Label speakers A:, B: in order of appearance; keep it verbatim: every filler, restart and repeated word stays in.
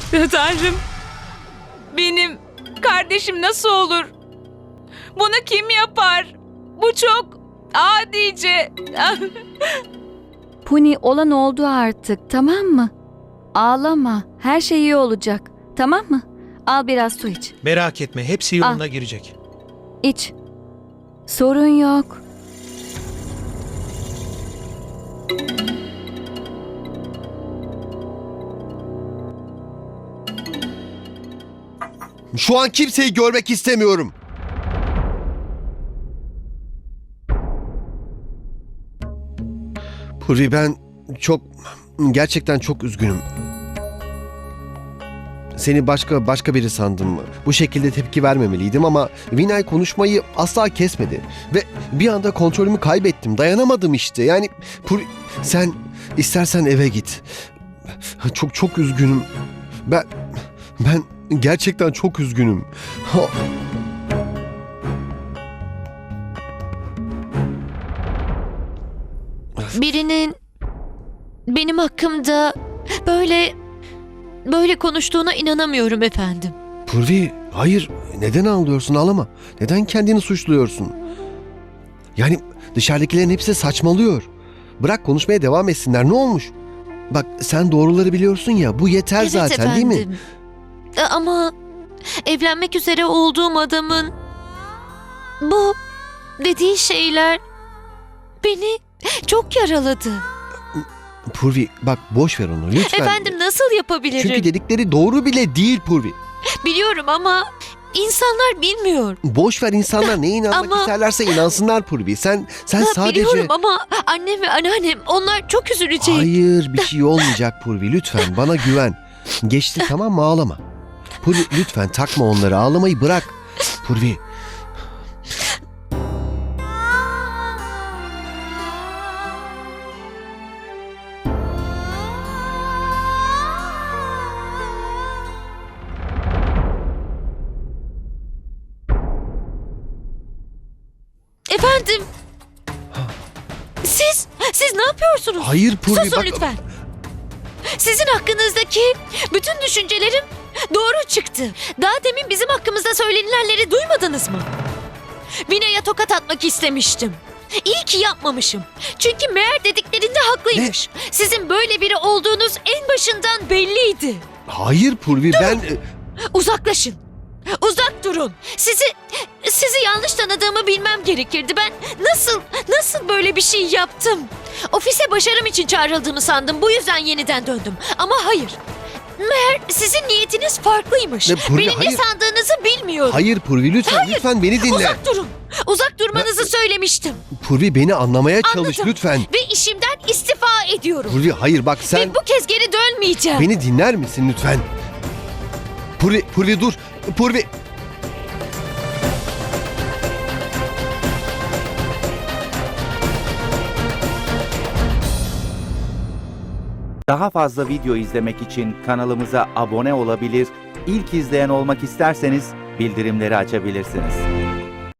A: Tanrım, benim kardeşim nasıl olur? Bunu kim yapar? Bu çok adice.
B: Puni, olan oldu artık, tamam mı? Ağlama, her şey iyi olacak, tamam mı? Al biraz su iç.
C: Merak etme, hepsi yoluna girecek.
B: İç. Sorun yok.
D: Şu an kimseyi görmek istemiyorum. Puri, ben çok, gerçekten çok üzgünüm. Seni başka başka biri sandım. Bu şekilde tepki vermemeliydim ama Vinay konuşmayı asla kesmedi. Ve bir anda kontrolümü kaybettim. Dayanamadım işte. Yani Puri, sen istersen eve git. Çok çok üzgünüm. Ben ben gerçekten çok üzgünüm. Ha.
E: Birinin benim hakkımda böyle böyle konuştuğuna inanamıyorum efendim.
D: Purvi, hayır. Neden ağlıyorsun? Ağlama. Neden kendini suçluyorsun? Yani dışarıdakilerin hepsi saçmalıyor. Bırak konuşmaya devam etsinler. Ne olmuş? Bak, sen doğruları biliyorsun ya. Bu yeter
E: Evet
D: zaten,
E: efendim.
D: değil mi?
E: E, Ama evlenmek üzere olduğum adamın bu dediği şeyler beni çok yaraladı.
D: Purvi, bak boş ver onu lütfen.
E: Efendim, nasıl yapabilirim?
D: Çünkü dedikleri doğru bile değil Purvi.
E: Biliyorum ama insanlar bilmiyor.
D: Boş ver, insanlar neye inanmak
E: Ama-
D: isterlerse inansınlar Purvi. Sen sen
E: Ha,
D: sadece...
E: Biliyorum ama annem ve anneannem onlar çok üzülecek.
D: Hayır, bir şey olmayacak Purvi, lütfen bana güven. Geçti, tamam mı? Ağlama. Purvi, lütfen takma onları, ağlamayı bırak. Purvi.
E: Efendim, siz siz ne yapıyorsunuz?
D: Hayır Purvi,
E: Susun
D: bak.
E: lütfen. Sizin hakkınızdaki bütün düşüncelerim doğru çıktı. Daha demin bizim hakkımızda söylenilenleri duymadınız mı? Vinay'a tokat atmak istemiştim. İyi ki yapmamışım. Çünkü meğer dediklerinde haklıymış. Sizin böyle biri olduğunuz en başından belliydi.
D: Hayır Purvi, ben...
E: Uzaklaşın. Uzak durun. Sizi sizi yanlış tanıdığımı bilmem gerekirdi. Ben nasıl nasıl böyle bir şey yaptım? Ofise başarım için çağrıldığımı sandım. Bu yüzden yeniden döndüm. Ama hayır. Meğer sizin niyetiniz farklıymış.
D: Ne, Purvi,
E: Benim
D: hayır.
E: ne sandığınızı bilmiyorum.
D: Hayır Purvi, lütfen, lütfen beni dinle.
E: Uzak durun. Uzak durmanızı söylemiştim.
D: Purvi, beni anlamaya çalış
E: Anladım.
D: lütfen.
E: Ve işimden istifa ediyorum.
D: Purvi, hayır bak sen...
E: Ve bu kez geri dönmeyeceğim.
D: Beni dinler misin lütfen? Purvi, Purvi dur. Purvi.
F: Daha fazla video izlemek için kanalımıza abone olabilir, ilk izleyen olmak isterseniz bildirimleri açabilirsiniz.